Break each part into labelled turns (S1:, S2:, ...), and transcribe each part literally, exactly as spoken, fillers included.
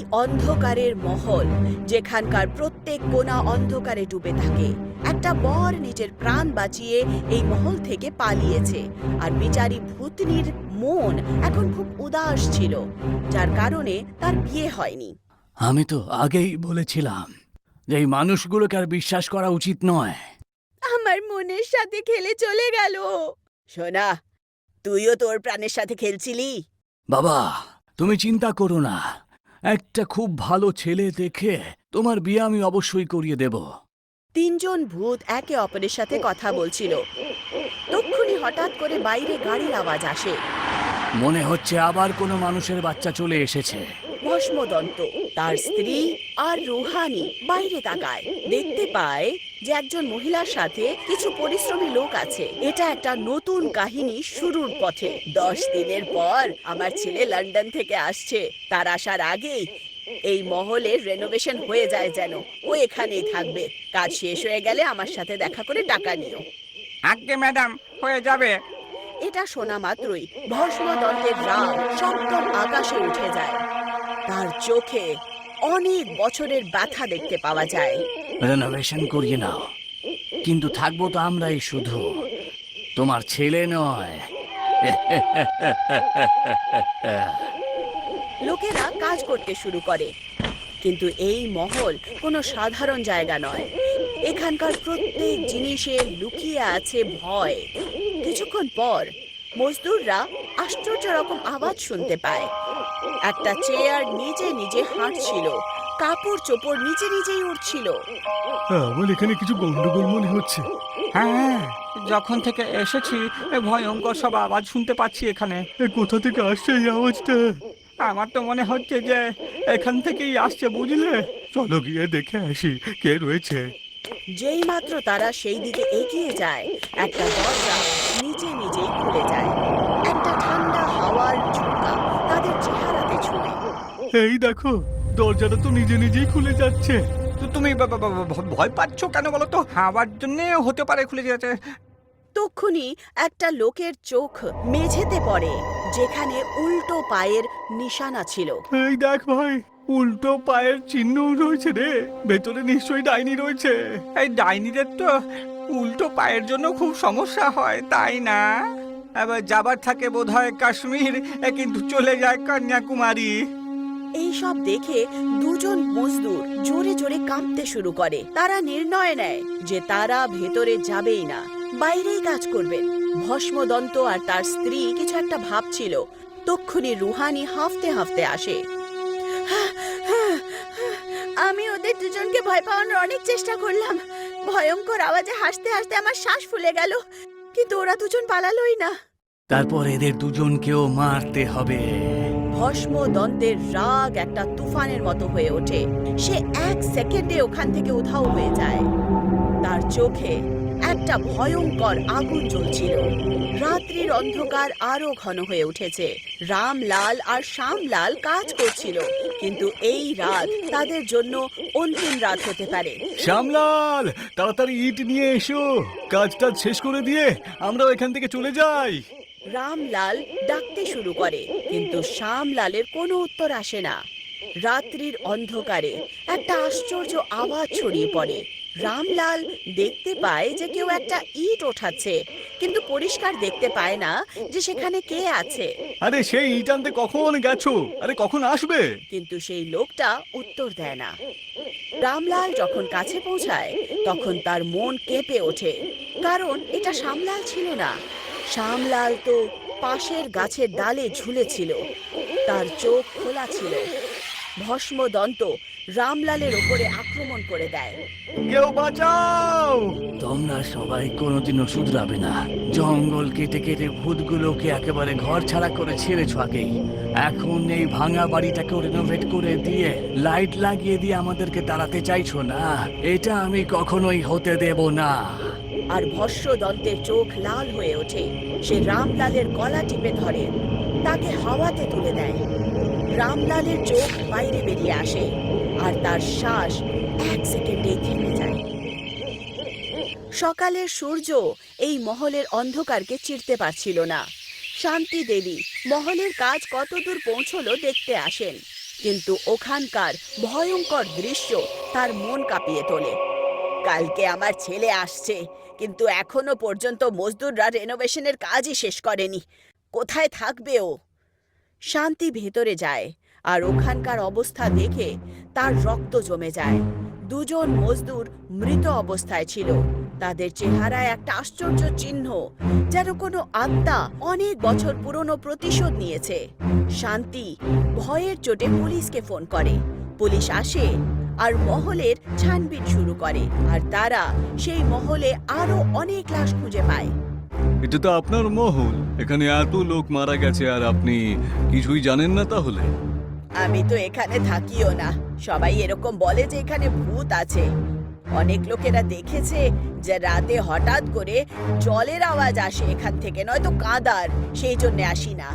S1: অন্ধকারের মহল, যেখানকার প্রত্যেক কোণা অন্ধকারে ডুবে থাকে। একটা বর নিজের প্রাণ বাঁচিয়ে এই মহল থেকে পালিয়েছে, আর বিচারী ভূতনির মন এখন খুব উদাস ছিল, যার কারণে তার বিয়ে হয়নি।
S2: আমি তো আগেই বলেছিলাম যে এই মানুষগুলোকে আর বিশ্বাস করা উচিত নয়।
S1: আমার মনের সাথে খেলে চলে গেল। সোনা, তুইও তোর প্রাণের সাথে খেলছিলি?
S2: বাবা, তুমি চিন্তা করো না, একটা খুব ভালো ছেলে দেখে তোমার বিয়ে আমি অবশ্যই করিয়ে দেব।
S1: তিনজন ভূত একে অপরের সাথে কথা বলছিল। তক্ষুনি হঠাৎ করে বাইরে গাড়ির আওয়াজ আসে।
S2: মনে হচ্ছে আবার কোনো মানুষের বাচ্চা চলে এসেছে।
S1: ভস্মদন্ত, তার স্ত্রী আর রুহানি বাইরে তাকায়, দেখতে পায় যে একজন মহিলার সাথে কিছু পরিশ্রমী লোক আছে। এটা একটা নতুন কাহিনী শুরুর পথে। দশ দিনের পর আমার ছেলে লন্ডন থেকে আসছে। তার আসার আগেই এই মহলের রেনোভেশন হয়ে যায় যেন। ও এখানেই থাকবে। কাজ শেষ হয়ে গেলে আমার সাথে দেখা করে টাকা নিও।
S3: আজ্ঞে ম্যাডাম, হয়ে যাবে।
S1: এটা শোনা মাত্রই ভস্মদন্তের রাগ সপ্তম আকাশে উঠে যায়। তার চোখে অনেক বছরের ব্যথা দেখতে পাওয়া যায়।
S2: রেনোভেশন করিয়ে নাও, কিন্তু থাকবো তো আমরাই শুধু, তোমার ছেলে নয়।
S1: লোকেরা কাজ করতে শুরু করে, কিন্তু এই মহল কোনো সাধারণ জায়গা নয়। এখানকার প্রত্যেক জিনিসে লুকিয়ে আছে ভয়। কিছুক্ষণ পর মজদুররা আশ্চর্য রকম আওয়াজ শুনতে পায়। একটা চেয়ার নিজে নিজে হাঁটছিল, কাপড় চোপড় নিজে নিজেই উঠছিল।
S4: আমার এখানে কিছু গন্ডগোল মনে হচ্ছে।
S3: হ্যাঁ, যখন থেকে এসেছি এ ভয়ঙ্কর সব আওয়াজ শুনতে পাচ্ছি এখানে।
S4: এ কোথা থেকে আসছে এই আওয়াজটা?
S3: আমার তো মনে হচ্ছে যে এখান থেকেই আসছে, বুঝলে।
S4: চলো গিয়ে দেখে আসি কে রয়েছে।
S1: যেই মাত্র তারা সেই দিকে এগিয়ে যায়, একটা দরজা নিজে নিজেই খুলে যায়। একটা ঠান্ডা হাওয়ার ঝোঁকা তাদের চেহারাতে ছুঁয়ে।
S4: এই দেখো, দরজাটা তো নিজে নিজেই খুলে যাচ্ছে।
S3: তো তুমি বা- বা- বা- বা- ভয় পাচ্ছ কেন বলো তো? হাওয়ার জন্য হতে পারে খুলে যাচ্ছে।
S1: তক্ষুনি একটা লোকের চোখ মেঝেতে পড়ে, যেখানে উল্টো পায়ের নিশানা ছিল।
S4: এই দেখ ভাই, উল্টো পায়ের চিহ্ন রয়েছে রে। ভেতরে নিশ্চয়ই ডাইনি রয়েছে।
S3: এই ডাইনিদের তো উল্টো পায়ের জন্য খুব সমস্যা হয়, তাই না? এবার যাবার থাকে বোধ হয় কাশ্মীর, এ কিন্তু চলে যায় কন্যাকুমারী।
S1: এই সব দেখে দুজন মজদুর জোরে জোরে কাঁপতে শুরু করে। তারা নির্ণয় নেয় যে তারা ভেতরে যাবেই না, বাইরেই কাজ করবেন। ভস্মদন্ত আর তার স্ত্রী কিছু একটা ভাবছিল। তক্ষুনি রুহানি হাঁফতে হাঁফতে আসে। আমি ওদের দুজনকে ভয় পাওয়ানোর অনেক চেষ্টা করলাম। ভয়ঙ্কর আওয়াজে হাসতে হাসতে আমার শ্বাস ফুলে গেল, কিন্তু ওরা দুজন পালালোই না।
S2: তারপর এদের দুজনকেও মারতে হবে।
S1: ভস্মদন্তের রাগ একটা তুফানের মতো হয়ে ওঠে। সে এক সেকেন্ডে ওখান থেকে উধাও হয়ে যায়। তার চোখে একটা ভয়ঙ্কর আগুন জ্বলছিল। রাত্রির অন্ধকার আরো ঘন হয়ে উঠেছে। রামলাল আর শ্যামলাল কাজ করছিল, কিন্তু এই রাত তাদের জন্য অন্তিম রাত হতে পারে।
S4: শ্যামলাল, তাড়াতাড়ি ইট নিয়ে এসো। কাজটা শেষ করে দিয়ে আমরাও এখান থেকে চলে যাই।
S1: রামলাল ডাকতে শুরু করে, কিন্তু শ্যামলালের কোনো উত্তর আসে না। রাত্রির অন্ধকারে একটা আশ্চর্য আওয়াজ ছড়িয়ে পড়ে। রামলাল দেখতে পায় যে কেউ একটা ইট ওঠাচ্ছে, কিন্তু পরিষ্কার দেখতে পায় না যে সেখানে কে আছে।
S4: আরে সেই ইট আনতে কখন গেছো? আরে কখন আসবে?
S1: কিন্তু সেই লোকটা উত্তর দেয় না। রামলাল যখন কাছে পৌঁছায়, তখন তার মন কেঁপে ওঠে, কারণ এটা শ্যামলাল ছিল না। শ্যামলাল তো পাশের গাছের ডালে ঝুলেছিল, তার চোখ খোলা ছিল। ভস্মদন্ত রামলালের ওপরে আক্রমণ করে দেয়।
S4: কেউ বাঁচাও!
S2: তোমরা সবাই কোনোদিনও শুধরাবে না। জঙ্গল কেটে কেটে ভূতগুলোকে একেবারে ঘর ছাড়া করে ছেড়েছ আগেই। এখন এই ভাঙা বাড়িটাকেও রেনোভেট করে দিয়ে লাইট লাগিয়ে দিয়ে আমাদেরকে তাড়াতে চাইছো না? এটা আমি কখনোই হতে দেব না।
S1: আর ভস্মদন্তের চোখ লাল হয়ে ওঠে। সে রামলালের গলা টিপে ধরে, তাকে হাওয়াতে তুলে দেয়। রামলালের চোখ বাইরে বেরিয়ে আসে, আর তার শ্বাস এক সেকেন্ডেই থেমে যায়। সকালের সূর্য এই মহলের অন্ধকারকে চিরতে পারছিল না। শান্তি দেবী মহলের কাজ কতদূর পৌঁছলো দেখতে আসেন। কিন্তু ওখানকার ভয়ঙ্কর দৃশ্য তার মন কাঁপিয়ে তোলে। কালকে আমার ছেলে আসছে, কিন্তু এখনো পর্যন্ত মজদুররা রেনোভেশনের কাজই শেষ করেনি। কোথায় থাকবে ও? শান্তি ভেতরে যায় আর ওখানকার অবস্থা দেখে তার রক্ত জমে যায়। দুজন মজদুর মৃত অবস্থায় ছিল। তাদের চেহারায় একটা আশ্চর্য চিহ্ন, যেন কোনো আত্মা অনেক বছর পুরনো প্রতিশোধ নিয়েছে। শান্তি ভয়ের চোটে পুলিশকে ফোন করে। পুলিশ আসে আর মহলের ছানবিন শুরু করে, আর তারা সেই মহলে আরো অনেক লাশ খুঁজে পায়।
S4: এটা তো আপনার মহল, এখানে এত লোক মারা গেছে আর আপনি কিছুই জানেন না তাহলে?
S1: আমি তো এখানে থাকিও না। সবাই এরকম বলে যে এখানে ভূত আছে। অনেক লোকেরা দেখেছে যে রাতে হঠাৎ করে জলের আওয়াজ আসে এখান থেকে, নয়তো কাঁদার, সেই জন্য আসি না।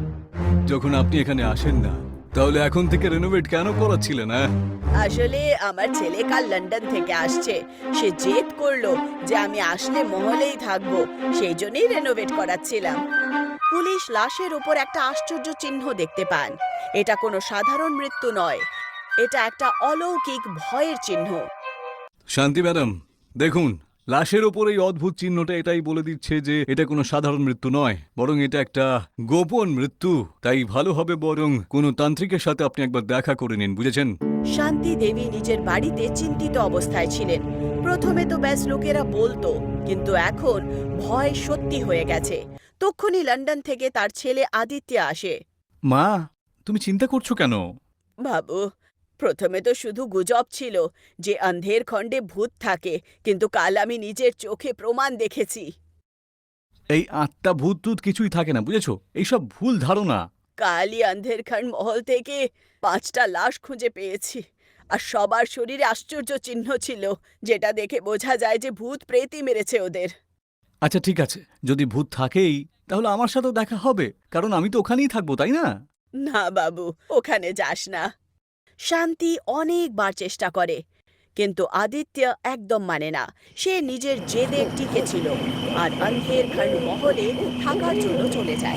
S4: যখন আপনি এখানে আসেন না, তাহলে এখন থেকে রেনোভেট কেন করাচ্ছিলেন? হ্যাঁ,
S1: আসলে আমার ছেলে কাল লন্ডন থেকে আসছে। সে জেদ করলো যে আমি আসলে মহলেই থাকবো, সেই জন্যই রেনোভেট করাচ্ছিলাম। পুলিশ লাশের উপর একটা আশ্চর্য চিহ্ন দেখতে পান। এটা কোনো সাধারণ মৃত্যু নয়, এটা একটা অলৌকিক ভয়ের চিহ্ন।
S4: শান্তি ম্যাডাম, দেখুন, লাশের ওপর এই অদ্ভুত চিহ্নটা এটাই বলে দিচ্ছে যে এটা কোনো সাধারণ মৃত্যু নয়, বরং এটা একটা গোপন মৃত্যু। তাই ভালো হবে বরং কোনো তান্ত্রিকের সাথে আপনি একবার দেখা করে নিন, বুঝেছেন?
S1: শান্তি দেবী নিজের বাড়িতে চিন্তিত অবস্থায় ছিলেন। প্রথমে তো ব্যাস লোকেরা বলতো, কিন্তু এখন ভয় সত্যি হয়ে গেছে। তক্ষুনি লন্ডন থেকে তার ছেলে আদিত্য আসে।
S4: মা, তুমি চিন্তা করছো কেন?
S1: বাবু, প্রথমে তো শুধু গুজব ছিল যে অন্ধের খণ্ডে ভূত থাকে, কিন্তু কাল আমি নিজের চোখে প্রমাণ দেখেছি।
S4: এই আত্মা ভূত টুত কিছুই থাকে না, বুঝেছো? এইসব ভুল ধারণা।
S1: কালই অন্ধের খণ্ড মহল থেকে পাঁচটা লাশ খুঁজে পেয়েছি, আর সবার শরীরে আশ্চর্য চিহ্ন ছিল, যেটা দেখে বোঝা যায় যে ভূত প্রেতই মেরেছে ওদের।
S4: আচ্ছা ঠিক আছে, যদি ভূত থাকেই তাহলে আমার সাথেও দেখা হবে, কারণ আমি তো ওখানেই থাকবো, তাই না?
S1: না বাবু, ওখানে যাস না। শান্তি অনেকবার চেষ্টা করে, কিন্তু আদিত্য একদম মানে না। সে নিজের জেদে টিকে ছিল আর অন্ধের খণ্ড মহলে থাকার জন্য চলে যায়।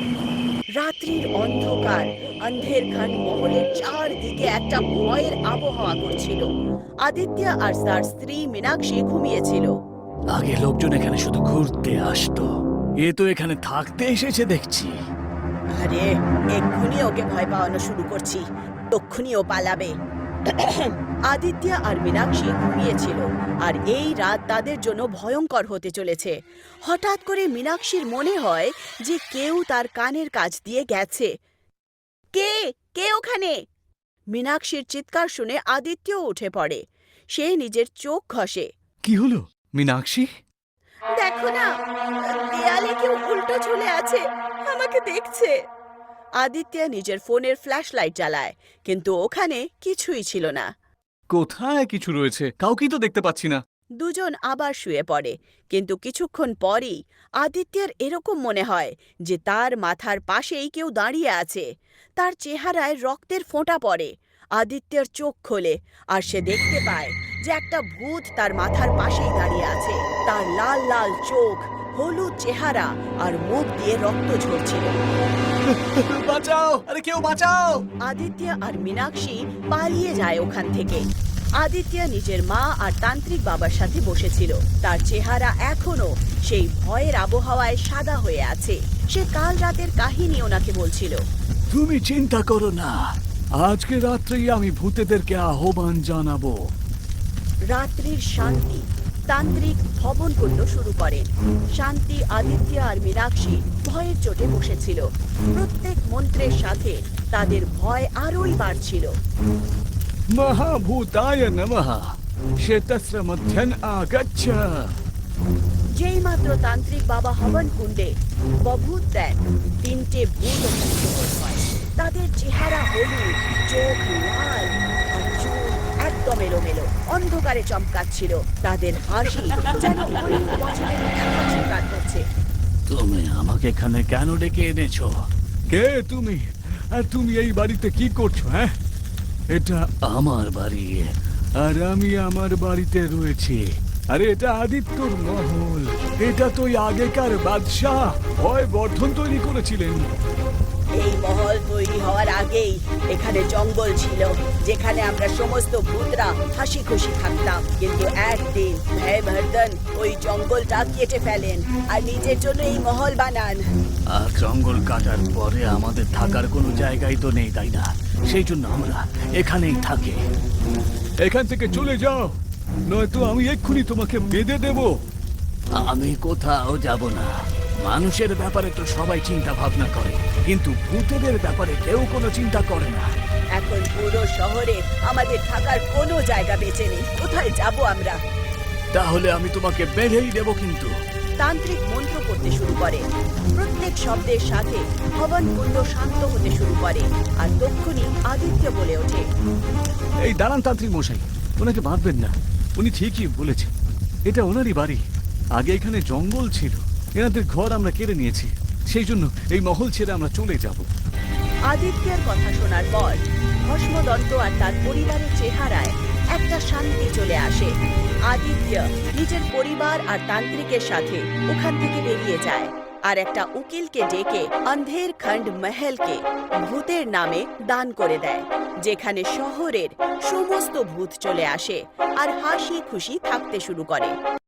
S1: রাত্রির অন্ধকার অন্ধের খণ্ড মহলের চারদিকে একটা ভয়ের আবহাওয়া করছিল। আদিত্য আর তার স্ত্রী মীনাক্ষী ঘুমিয়েছিল।
S2: আগে লোকজন এখানে শুধু ঘুরতে আসতো, এ তো এখানে থাকতে এসেছে দেখছি।
S1: আরে, এক্ষুনি ওকে ভয় পাওয়ানো শুরু করছি, তক্ষুনি ও পালাবে। আদিত্য আর মীনাক্ষী ঘুমিয়েছিল, আর এই রাত তাদের জন্য ভয়ঙ্কর হতে চলেছে। হঠাৎ করে মীনাক্ষীর মনে হয় যে কেউ তার কানের কাছ দিয়ে গেছে। কে কে ওখানে? মীনাক্ষীর চিৎকার শুনে আদিত্য উঠে পড়ে। সে নিজের চোখ ঘষে।
S4: কি হলো মীনাক্ষী?
S1: দেখো না, দেয়ালে কেউ উল্টো ঝুলে আছে, আমাকে দেখছে। আদিত্য নিজের ফোনের ফ্ল্যাশ লাইট জ্বালায়, কিন্তু ওখানে কিছুই ছিল না।
S4: কোথায় কিছু রয়েছে? কাউকেই তো দেখতে পাচ্ছি না।
S1: দুজন আবার শুয়ে পড়ে, কিন্তু কিছুক্ষণ পরই আদিত্যের এরকম মনে হয় যে তার মাথার পাশেই কেউ দাঁড়িয়ে আছে। তার চেহারায় রক্তের ফোঁটা পড়ে। আদিত্যের চোখ খোলে আর সে দেখতে পায় যে একটা ভূত তার মাথার পাশেই দাঁড়িয়ে আছে। তার লাল লাল চোখ, হলুদ চেহারা আর মুখ দিয়ে রক্ত ঝরছিল।
S4: বাঁচাও! আরে কেউ বাঁচাও!
S1: আদিত্য আর মীনাক্ষী পালিয়ে যায় ওখান থেকে। আদিত্য নিজের মা আর তান্ত্রিক বাবার সাথে বসেছিল। তার চেহারা এখনো সেই ভয়ের আবহাওয়ায় সাদা হয়ে আছে। সে কাল রাতের কাহিনী ওনাকে বলছিল।
S2: তুমি চিন্তা করো না, আজকে রাত্রেই আমি ভূতেদেরকে আহ্বান জানাবো।
S1: রাত্রির শান্তি তান্ত্রিক ভবন কুণ্ড শুরু করেন। শান্তি, আদিত্য আর মীনাক্ষী ভয়ের চোটে বসেছিল। প্রত্যেক মন্ত্রের সাথে তাদের ভয় আরোই বাড়ছিল।
S2: মহাভূতায় নমঃ, শ্বেতস্র মধ্যন আগচ্ছ।
S1: যেই মাত্র তান্ত্রিক বাবা হবন কুণ্ডে বভূত দেন, তিনটে ভূত মুক্ত হয়। তাদের চেহারা হলুদ, চোখ লাল আর চুল একদম এলোমেলো, অন্ধকারে চমকাচ্ছিল। তাদের হাসি যেন অনেক বছরের হাসি কাটছে।
S2: তুমি আমাকে এখানে কেন ডেকে এনেছো?
S4: কে তুমি? আর তুমি এই বাড়িতে কি করছো? হ্যাঁ,
S2: এটা আমার বাড়ি,
S4: আর আমি আমার বাড়িতে রয়েছি। আরে এটা আদিত্যর মহল। এটা তো ওই আগেকার বাদশাহ ভয় বর্ধন তৈরি করেছিলেন।
S1: এই মহল তৈরি হওয়ার আগেই এখানে জঙ্গল ছিল, যেখানে আমরা সমস্ত ভূতরা হাসি খুশি থাকতাম। কিন্তু একদিন ভয়বর্ধন ওই জঙ্গলটা কেটে ফেলেন আর নিজের জন্য এই মহল বানান।
S2: আর জঙ্গল কাটার পরে আমাদের থাকার কোনো জায়গাই তো নেই, তাই না? সেই জন্য আমরা এখানেই থাকি।
S4: এখান থেকে চলে যাও, নয়তো আমি এক্ষুনি তোমাকে বেঁধে দেব।
S2: আমি কোথাও যাব না। মানুষের ব্যাপারে তো সবাই চিন্তা ভাবনা করে, কিন্তু ভূতেদের ব্যাপারে কেউ কোনো চিন্তা করে না।
S1: এখন পুরো শহরে আমাদের থাকার কোনো জায়গা বেঁচে নেই। কোথায় যাব আমরা?
S2: তাহলে আমি তোমাকে বেঁধেই দেব। কিন্তু
S1: তান্ত্রিক মন্ত্র পড়তে শুরু করে। প্রত্যেক শব্দের সাথে হবন কুণ্ড শান্ত হতে শুরু করে আর তক্ষুনি আদিত্য বলে ওঠে,
S4: এই দাঁড়ান তান্ত্রিক মশাই, ওনাকে বাঁধবেন না। উনি ঠিকই বলেছেন, এটা ওনারই বাড়ি। আগে এখানে জঙ্গল ছিল, এনাদের ঘর আমরা কেড়ে নিয়েছি, সেই জন্য এই মহল ছেড়ে আমরা চলে যাব।
S1: আদিত্যের কথা শোনার পর ভস্মদন্ত আর তার পরিবারের চেহারায় একটা শান্তি চলে আসে। আদিত্য নিজের পরিবার আর তান্ত্রিকের সাথে ওখান থেকে বেরিয়ে যায় আর একটা উকিলকে ডেকে অন্ধের খণ্ড মহলকে ভূতের নামে দান করে দেয়, যেখানে শহরের সমস্ত ভূত চলে আসে আর হাসি খুশি থাকতে শুরু করে।